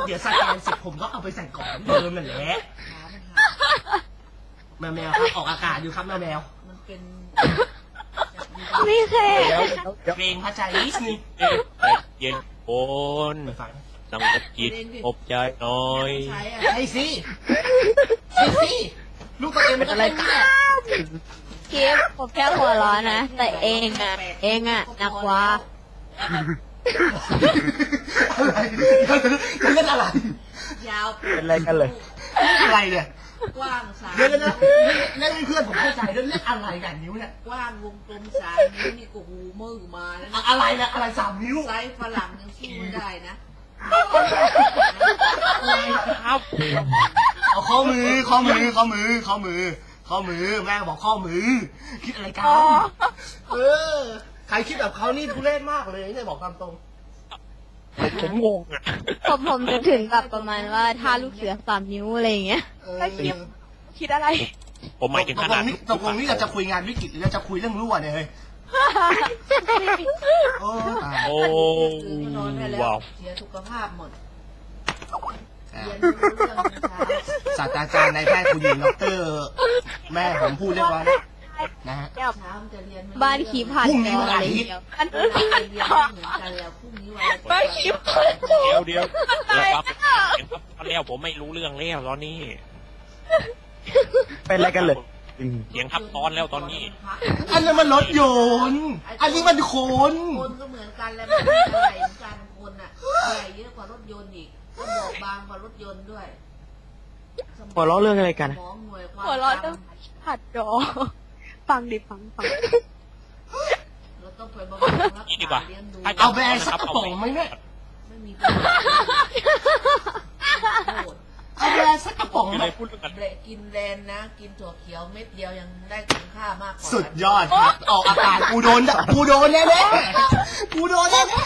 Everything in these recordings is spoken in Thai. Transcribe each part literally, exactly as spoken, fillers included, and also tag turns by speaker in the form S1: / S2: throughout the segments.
S1: ดี๋ยวสแกนเสร็จผมก็เอาไปใส่กล่องเดิมนั่นแหละแมวแมวครับออกอากาศอยู่ครับแมวแมว
S2: มันเป็น
S3: ไม่เคย
S1: เพลงพระใจนิดนึง
S4: เย็นโอนสงบจิตอบใจน้อย
S1: ใช่สิใช่สิลูกตัวเองเป็นอะไรกัน
S3: คิดผมแค่หัวร้อนนะแต่เองอ่ะเองอ่ะหนักกว่า
S1: อะไรเล่นอะไร
S2: ยาว
S5: เป็นอะไรกันเลย
S1: อะไรเนี่ย
S2: กว้างสาม
S1: เล่นนะเล่นเพื่อนผมเข้าใจเล่นเล่นอะไรกันนิ้วเนี่ย
S2: กว้างวงกลมสามนิ้วนี่ก็หูมือมาแล้ว
S1: อะไรนะอะไรสามนิ้ว
S2: ไซส์ฝรั่งยังสู้ไม่ได้นะ
S1: ครับเอาข้อมือข้อมือข้อมือข้อมือข้อมือแม่บอกข้อมือคิดอะไรกันเออใครคิดแบบเขานี่ทุเรศมากเลยเนี่ยบอกตามตรง
S4: ผมงงอ่ะ
S3: ผมผมจะถึงแบบประมาณว่าถ้าลูกเสือสามนิ้วอะไรอย่างเงี้ยคิดคิดอะไร
S4: ผมหมายถึงขนาดนี้
S1: ตกลงนี่เราจะคุยงานวิกฤตหรือเราจะคุยเรื่องรั่วเนี่ยเฮ้ยโอ้ตาย
S4: โอ้ว้าว
S2: เสียสุขภาพหมด
S1: ศาสตราจารย์นายแพทย์คุณหญิงดรแม่ผมพูดเรียบร้อยนะฮะ
S3: บ้านขีผ่าน
S1: พรุ่งนี้วันอาทิตย์
S3: บ้านขีผ่าน
S4: เดี๋ยวเดี๋ยวครับแล้วผมไม่รู้เรื่องแล้วตอนนี้
S5: เป็นอะไรกันเลย
S4: เสียงทับซ้อนแล้วตอนนี้
S1: อันนั้นมันรถยนต์อันนี้มันคน
S2: คนก็เหมือนกันแล้วมันอะไรเหมือนกันคนอ่ะอะไรเยอะกว่ารถยนต์อีกก็บอกบางกว่ารถยนต์ด้วย
S5: หัวเราะเรื่องอะไรกัน
S3: หัวเราะเรื่องผัดจอฟังดิฟังฟัง
S2: เราต้องไปบำรุงรักษาเลี้ยงดู
S1: เอาแบรนด์สักกระป๋องไหมเนี่ย
S2: ไม่มี
S1: เอาแบรนด์สักกระป๋องไหม
S2: กินแลนนะกินถั่วเขียวเม็ดเดียวยังได้คุณค่ามากกว่า
S1: สุดยอดครับออกอาการกูโดนกูโดนแน่แน่กูโดนแน่แน่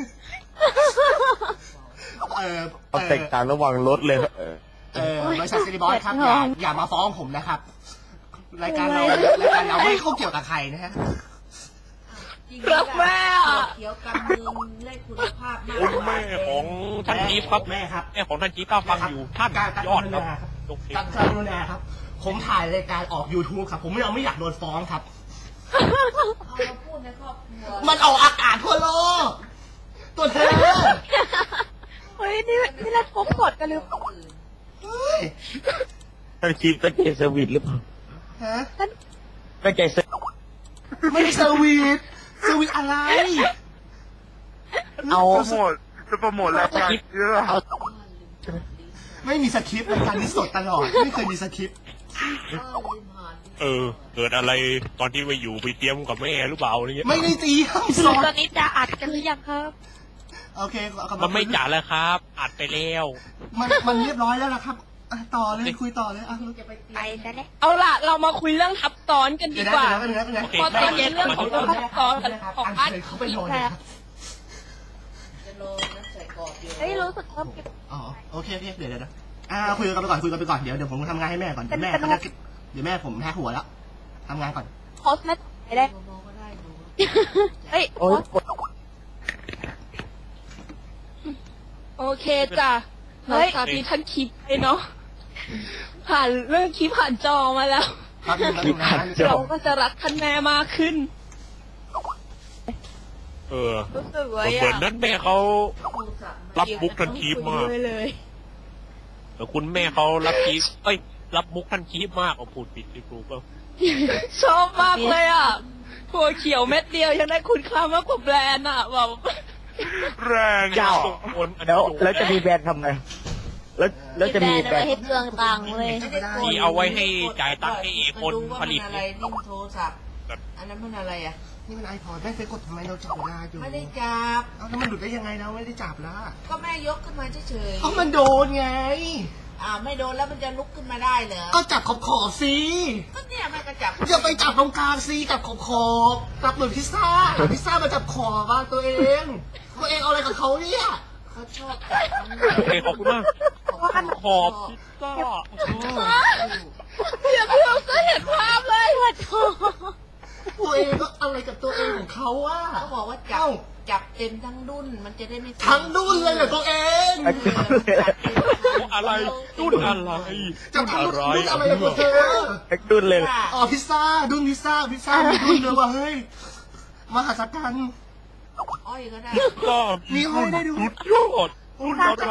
S1: เออ
S5: เอาแตกต่างระหว่างรถเลย
S1: เออบริษัทซิลิบอสครับอย่าอย่ามาฟ้องผมนะครับรายการเรารายการเราไม่เข้าเกี่ยวกับใครนะฮะ
S3: รักแม่
S2: เขียวกันเมืองได้คุณภาพมาก
S4: แม่ของท่านจี๊บครับ
S1: แม่ครับ
S4: แม่ของท่านจี๊บก็ฟังอยู่ท่านยอดครับ
S1: ตักกรุณาครับผมถ่ายรายการออก ยูทูบ ครับผมไม่เอาไม่อยากโดนฟ้องครับมันออกอากาศทั่วโลกตัวเธอ
S3: เฮ้ยนี่นี่เราพบกดกันหรือเปล่า
S5: ท่านจี๊บตั้งใจเซอร์วิสหรือเปล่า
S1: ฮะ
S5: ตั้งใจเซอร์
S1: ไม่ได้เซอร์วิสเซอร์วิสอะไร
S5: เอาโปรโมทจะโปรโมทแล้วครับ
S1: ไม่มีสคริปต์รายการนี้สดตลอดไม่เคยมีสคริปต์
S4: เออเกิดอะไรตอนที่ไปอยู่ไปเตรียมกับแม่หรือเปล่าอะไรเงี้ย
S1: ไม่ได้ตีครับ
S3: สดตอนนี้จะอัดกันหรือยังครับ
S1: โอเค
S4: มันไม่จ่าแล้วครับอัดไปแล้ว
S1: มันมันเรียบร้อยแล้วนะครับต่อเลยคุยต่อเลยอ่ะ
S3: ไปซะแล้วเอาล่ะเรามาคุยเรื่องทับซ้อนกันดีกว่าพอตอนนี้เรื่องของทับซ้อนของอัน
S1: เขาไปนอน
S3: เฮ้ยรู้สึกว่า
S1: อ๋อโอเคโอเคเดี๋ยวเดี๋ยวอ่าคุยกันไปก่อนคุยกันไปก่อนเดี๋ยวเดี๋ยวผมทำงานให้แม่ก่อนเดี๋ยวแม่เขาจะเดี๋ยวแม่ผมแพ้หัวแล้วทำงานก่อน
S3: โพสไม่ได้เฮ้ยโอเคจ้ะเฮ้ยสาธิตท่านคลิปไปเนาะผ่านเรื่องคลิปผ่านจอมาแล้วเราก็จะรักท่านแม่มากขึ้น
S4: เออเหมือนนั้นแม่เขารับมุกท่านคลิปมากแต่คุณแม่เขารับคลิปเอ้ยรับมุกท่านคลิปมากเอาพูดผิดที่ครูก็
S3: ชอบมากเลยอ่ะถั่วเขียวเม็ดเดียวยังได้คุณค่ามากกว่าแบรนด์อ่ะแบบ
S4: แรง
S5: เจ้าแล้วแล้วจะมีแบรนด์ทำไงแล้วแล้วจะมีแบรนด์
S3: ให้เปลืองตังค์เลย
S4: ที่เอาไว้ให้จ่ายตังค์ให้คนผลิต
S2: อะไรนิ่มโทรศัพท์อันนั้นมันอะไรอ่ะ
S1: นี่มันไอพอดแม่เคยกดทำไมเราจับเวลาอยู่
S2: ไม่ได้จับ
S1: เอาแล้วมันหลุดได้ยังไงเราไม่ได้จับละ
S2: ก็แม่ยกขึ้นมาเฉยๆ
S1: เอามันโดนไง
S2: อ่าไม่โดนแล้วมันจะลุกขึ้นมาได้เหรอ
S1: ก็จับขอบขอบสิ
S2: ก็เนี่ยแม่ก็จับ
S1: อย่าไปจับตรงกลางสิจับขอบขอบจับเหมือนพิซซ่าพิซซ่ามาจับขอบบ้างตัวเองตัวเองเอาอะไรกับเขาเนี่ย
S2: เขาชอบจับ
S4: โอเคขอบคุณมากขอบพิซซ่า
S3: เดี๋ยวเราก็เห็นภาพเลยว่าโถ
S1: ตัวเองก็อะไรกับตัวเองของเขาอ่ะ
S2: เขาบอกว่าจับ
S1: เอ้า
S2: จับเต็มทั้งดุนมันจะได้ไม่
S1: ทั้งดุนเลยเหรอตัวเอง
S4: อะไรรุ่นอะไร
S1: จะทำ
S4: อะไร
S1: ดุนอะไรกับเธอ
S5: แท็กดุนเลย
S1: อ๋อพิซซ่าดุนพิซซ่าพิซซ่ามีดุนเลยว่ะเฮ้ยมหัศจรรย์
S2: อ้อยก็ได้
S4: ก็
S1: มีห้อยได้ด้วย
S4: สุดยอดรุ่นอะไร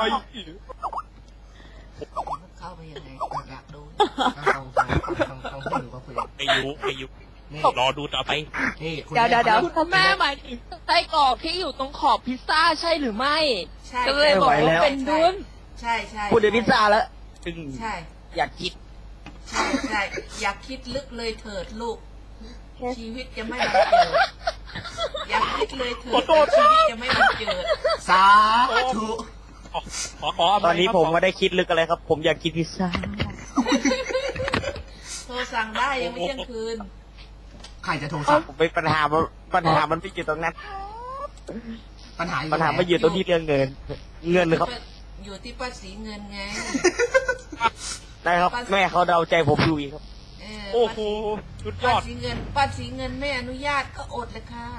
S2: เข้าไปยังไงอยากดู
S1: ฟังฟังฟังฟังฟังพูดอยู่ก็คุย
S4: ไอายุไอายุ
S1: นี่
S4: รอดูต่อไป
S1: นี่คุณ
S3: เดี๋ยวเดี๋ยวเดี๋ยว
S1: แม่
S3: คุณแม่หมายถึงไส้กรอกที่อยู่ตรงขอบพิซซ่าใช่หรือไม่
S2: ใช่
S3: ก็เลยบอกว่าเป็นดุน
S2: ใช่ใช่
S5: พูดถึงพิซซ่าแล้วซึ่ง
S2: ใช่
S5: อยากคิด
S2: ใช่ใช่อยากคิดลึกเลยเถิดลูก ชีวิตจะไม่บังเกิดอยากคิดเลยเถิดชีวิตจะไม่บังเกิด
S1: สาธุ
S4: ขอขอ
S5: ตอนนี้ผมไม่ได้คิดลึกอะไรครับ ผมอยากกินพิซซ่า
S2: โทรสั่งได้ยังไม่เที่ยงคืน
S1: ใครจะโทรสั่ง
S5: ผมเป็นปัญหามันปัญหามันไม่อยู่ตรงนั้น
S1: ปัญหาอยู่
S5: ปัญหาไม่อยู่ตรงที่เรื่องเงิน เงินครับ
S2: อยู่ที่ป้าสีเงินไง
S5: ได้ครับ แม่เขาเดาใจผมอยู่อีกครับ
S2: เอ
S4: โอ้โหสุดย
S2: ป้า
S4: อด
S2: สีเงินป้าสีเงินไม่อนุญาตก็อดเลยค่ะ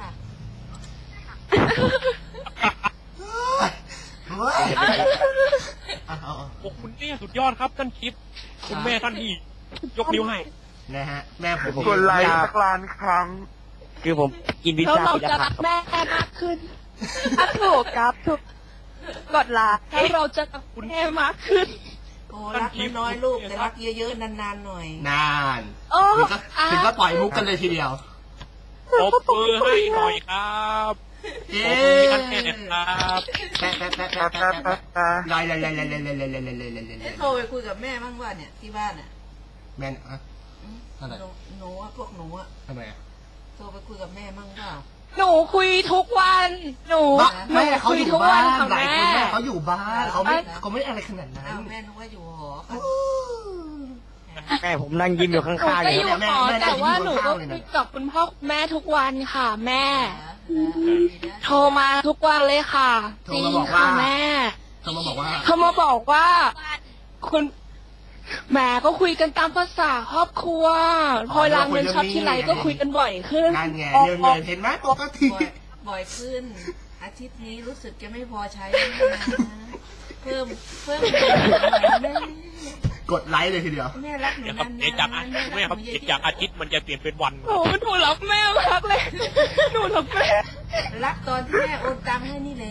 S1: เฮ้ยเอาเอาเอา
S4: โอ้คุณแม่สุดยอดครับท่านคลิป คุณแม่ท่านอีกยกนิ้วให้
S1: นะฮะแม่ผม
S5: กดไลค์สักล้านครั้ง คือผมกินพิซ
S3: แล้ว
S5: ซ่า
S3: เรา
S5: ปีละ
S3: จะ
S5: ค
S3: รั
S5: รั้
S3: ก
S5: ง
S3: แม่มากขึ้นอ่ะถูกครับถูกกดลาแล้วเราจะรักแม่มากขึ้น
S2: โอ้รักน้อยๆลูกแต่รักเยอะๆนานๆหน่อย
S1: นาน
S3: โอ้
S1: ถึงก็ถึงก็ปล่อยมุกกันเลยทีเดียว
S4: ปรบมือให้หน่อยครับ
S1: เอ๊
S4: ปรบมือให้ท่านแม่หน่อยครับ
S1: แปะแปะแปะแปะแปะแปะแปะลอยลอยลอยลอยลอยลอยลอยลอยลอยลอยลอยลอย
S2: เอ๊ะโทรไปคุยกับแม่บ้างว่าเนี่ยที่บ้านอ่ะ
S1: แม่นอะ
S2: อืม
S1: อะไร
S2: หนูหนูอะพวกหนูอะ
S1: ทำไมอะ
S2: โทรไปคุยกับแม่บ้างเปล่า
S3: หนูคุยทุกวัน หนู
S1: บ้า
S3: หนู
S1: แม่เขา
S3: คุ
S1: อย ยู่
S3: ทุก
S1: บ้า
S3: วัน
S1: น
S3: ค่ะ
S1: หลาย
S3: แม่
S1: คนแม่เขาอยู่บ้านเขาไม่เขาไม่อะไรขนาดนั้
S2: อ้าน วแม่นึกว่าอยู่หอค่ะ
S5: แม่ผมนั่งยิ้มอยู่ข้
S3: หนู
S5: างๆ
S3: ก็
S5: อ
S3: อยู่ ยู่
S1: แม่
S3: หอ
S1: แม่
S3: แต่ว่า
S1: แม่
S3: หนู
S1: อยู่
S3: ก็
S1: ข้างๆเลยนะ
S3: คุยกับคุณพ่อคุณแม่ทุกวันค่ะ แม่
S2: ดีนะ
S3: โทรมาทุกวันเลยค่ะ
S1: โทร
S3: จริง
S1: มาบอก
S3: ค่ะ
S1: ว่า
S3: แม่
S1: เขามาบอกว่า
S3: เขามาบอกว่า คุณแหมก็คุยกันตามภาษาครอบครัว พอเวลาเงินช็อตที่ไรก็คุยกันบ่อยขึ้น
S1: นั่นไงเรื่องเงินเห็นไหมปกติ
S2: บ่อยบ่อยขึ้น อาทิตย์นี้รู้สึกจะไม่พอใช้แล้วนะเพิ่มเพิ่มเงินหน่อยนะแม่
S1: กดไลค์เลยทีเดียว
S2: แม่รักหนู
S4: เดี๋ยวค
S2: นา
S4: รับ
S2: น
S4: เดี๋ยวจากอา
S2: ๆ
S4: ทิตย์แม่ครับเดี๋ยวจากอาทิตย์มันจะเปลี่ยนเป็นวัน
S3: โอ้หนูรักแม่มากเลย หนูรักแม่
S2: รักตอนที่แม่โอนตังค์ให้นี่แหละ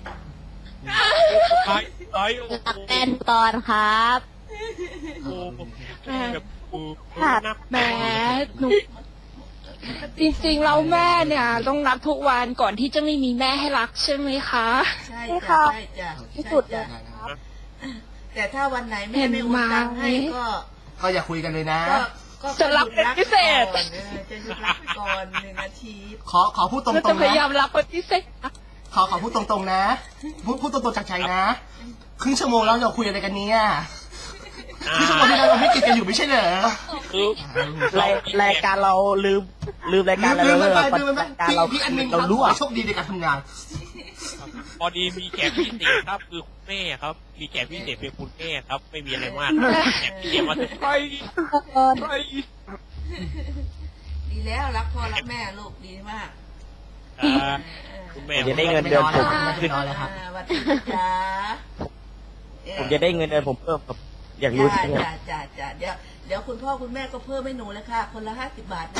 S4: ไอ้ไอ้โอ้โห
S3: เป็นตอนครับ
S4: โอ้โหแบบโอ้โหนัก
S3: แหมหนูจริงๆเราแม่เนี่ย ต้องรักทุกวันก่อนที่จะไม่มีแม่ให้รักใช่ไหมคะ
S2: ใช่จ้ะใช่จ้ะ
S3: ที่สุดเล
S2: ใช่
S3: ย
S2: จ้ะแต่ถ้าวันไหนแม่ไม่โอนตังค์ให้ก็
S1: ก็อย่าคุยกันเลยนะ
S2: ก็ก็
S3: จะรับเป็นพิเศษ
S2: ก่อนเออจะหยุดรับไปก่อนหนึ่งอาทิตย์
S1: ขอขอพูดตร
S3: เราจะ
S1: ง
S3: พ
S1: ๆ
S3: ยายา
S1: นะ
S3: มรับเป็นพิเศษ
S1: ขอขอพูดตรงๆนะ พูดพูดตรงๆจากใจนะครึ่งชั่วโมงแล้วเราคุยอะไรกันเนี่ยครึ่งชั่วโมงที่แล้วเราไม่กินกันอยู่ไม่ใช่เหรอ
S4: คือ
S5: รายรายการเราลืมลืมรายการ
S1: ลื
S5: เรา
S1: ม
S5: เล
S1: มัน
S5: ย
S1: ไปลืมมันไป
S5: รายการ
S1: พี่
S5: เรา
S1: พี่อันหนึงค
S5: เรา
S1: รับ
S5: รู้
S1: ขอ
S5: อ่ะ
S1: โชคดีในการทำงาน
S4: พอดีมีแขกพิเศษครับ คือคุณแม่ครับ มีแขกพิเศษเป็นคุณแม่ครับ ไม่มีอะไรมากแขกพิเศษมาถึงไปไป
S2: ดีแล้วรักพ่อรักแม่ลูกดีมาก
S4: อ่าคุณแม่
S5: จะได้เงินเดือนผม
S1: ไม่นอนแล้วครับ
S2: อ่าสวัสดีจ้า
S5: ผมจะได้เงินเดือนผมเพิ่มครับ อยากรู้
S2: จ้า
S5: จริงๆ
S2: จ้าจ้าจ้าเดี๋ยวเดี๋ยวคุณพ่อคุณแม่ก็เพิ่มให้หนูเลยค่ะ คนละห้าสิบบาทนะ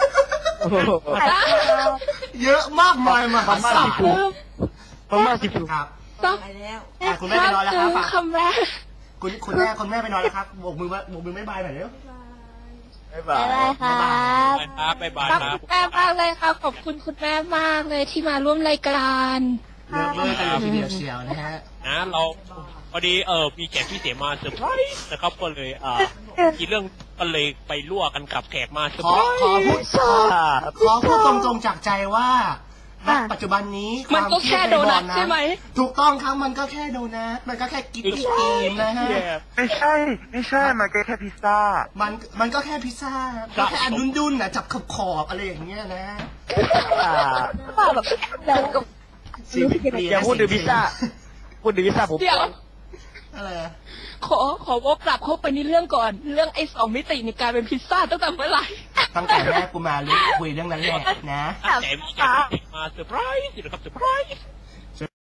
S1: เยอะมากมายมหาศาล
S5: ประมาณสิบ
S1: ครับ
S3: ต้อง
S2: ไปแล้ว
S1: อ่ะคุณแม่ไปนอนแล้วครับ
S3: คำแม่
S1: คุณคุณแม่คุณแม่ไปนอนแล้วครับโบกมือว่าโบกมือไม่บายหน่อยเร็ว
S5: บ๊ายบา
S3: บ๊าย
S5: ย
S3: บายครับ
S4: ไปครับบ๊ายบาย
S3: รัก
S4: ครับ
S3: คุณแม่มากเลยค่ะขอบคุณคุณแม่มากเลยที่มาร่วมรายการ
S1: เลิกเลิกกันเลยทีเดียวเชียวนะฮะ
S4: นะเราพอดีเออมีแขกพิเศษมาเซอร์ไพรส์นะครับก็เลยอ่ามีเรื่องก็เลยไปรั่วกันกับแขกมาเซอร์
S1: ขอ
S4: ไพรส์
S1: ขอพูดขอขอพูดตรงๆจากใจว่าณปัจจุบันนี้
S3: มันก็แค่โดนัทใช่ไหม
S1: ถูกต้องครับมันก็แค่โดนัทมันก็แค่กินตุ๊กตีมนะฮะ
S5: ไม่ใช่ไม่ใช่มันก็แค่พิซซ่า
S1: มันมันก็แค่พิซซ่าก็แค่อันดุนๆนะจับขอบขอบๆอะไรอย่างเงี้ยนะ
S5: อ่า
S3: แบบแล้วก็
S1: ชีวิตเปลี่ยน
S5: อย่าพูดถึงพิซซ่า พูดถึงพิซซ่าผม
S3: เดี๋ยว
S1: อะไรอะ
S3: ขอขอวกกลับเข้าไปในเรื่องก่อน เรื่องไอ้สองมิติในการเป็นพิซซ่าตั้งแต่เมื่อไหร่
S1: ตั้งแต่แรกกูมาเรื่องคุยเรื่องนั้นแหละนะ
S4: แต่มีการมาเซอร์ไพรส์นะครับเซอร์ไพรส์